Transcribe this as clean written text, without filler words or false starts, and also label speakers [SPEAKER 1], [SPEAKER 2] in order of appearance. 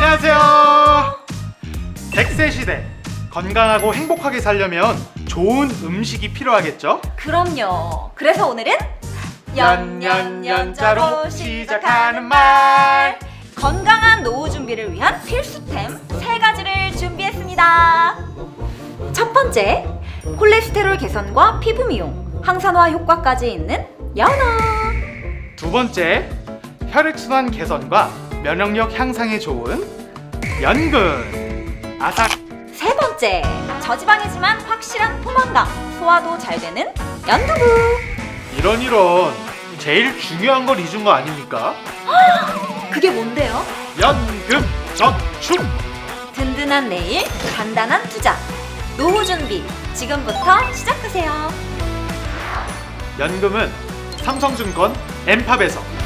[SPEAKER 1] 안녕하세요. 100세 시대 건강하고 행복하게 살려면 좋은 음식이 필요하겠죠?
[SPEAKER 2] 그럼요. 그래서 오늘은
[SPEAKER 1] 연자로 시작하는 말.
[SPEAKER 2] 건강한 노후 준비를 위한 필수템 3가지를 준비했습니다. 첫 번째, 콜레스테롤 개선과 피부 미용, 항산화 효과까지 있는 연어.
[SPEAKER 1] 두 번째, 혈액순환 개선과 면역력 향상에 좋은 연근. 아삭.
[SPEAKER 2] 세 번째, 저지방이지만 확실한 포만감, 소화도 잘 되는 연두부.
[SPEAKER 1] 이런 제일 중요한 걸 잊은 거 아닙니까?
[SPEAKER 2] 그게 뭔데요?
[SPEAKER 1] 연금 저축.
[SPEAKER 2] 든든한 내일, 간단한 투자. 노후 준비, 지금부터 시작하세요.
[SPEAKER 1] 연금은 삼성증권 엠팝에서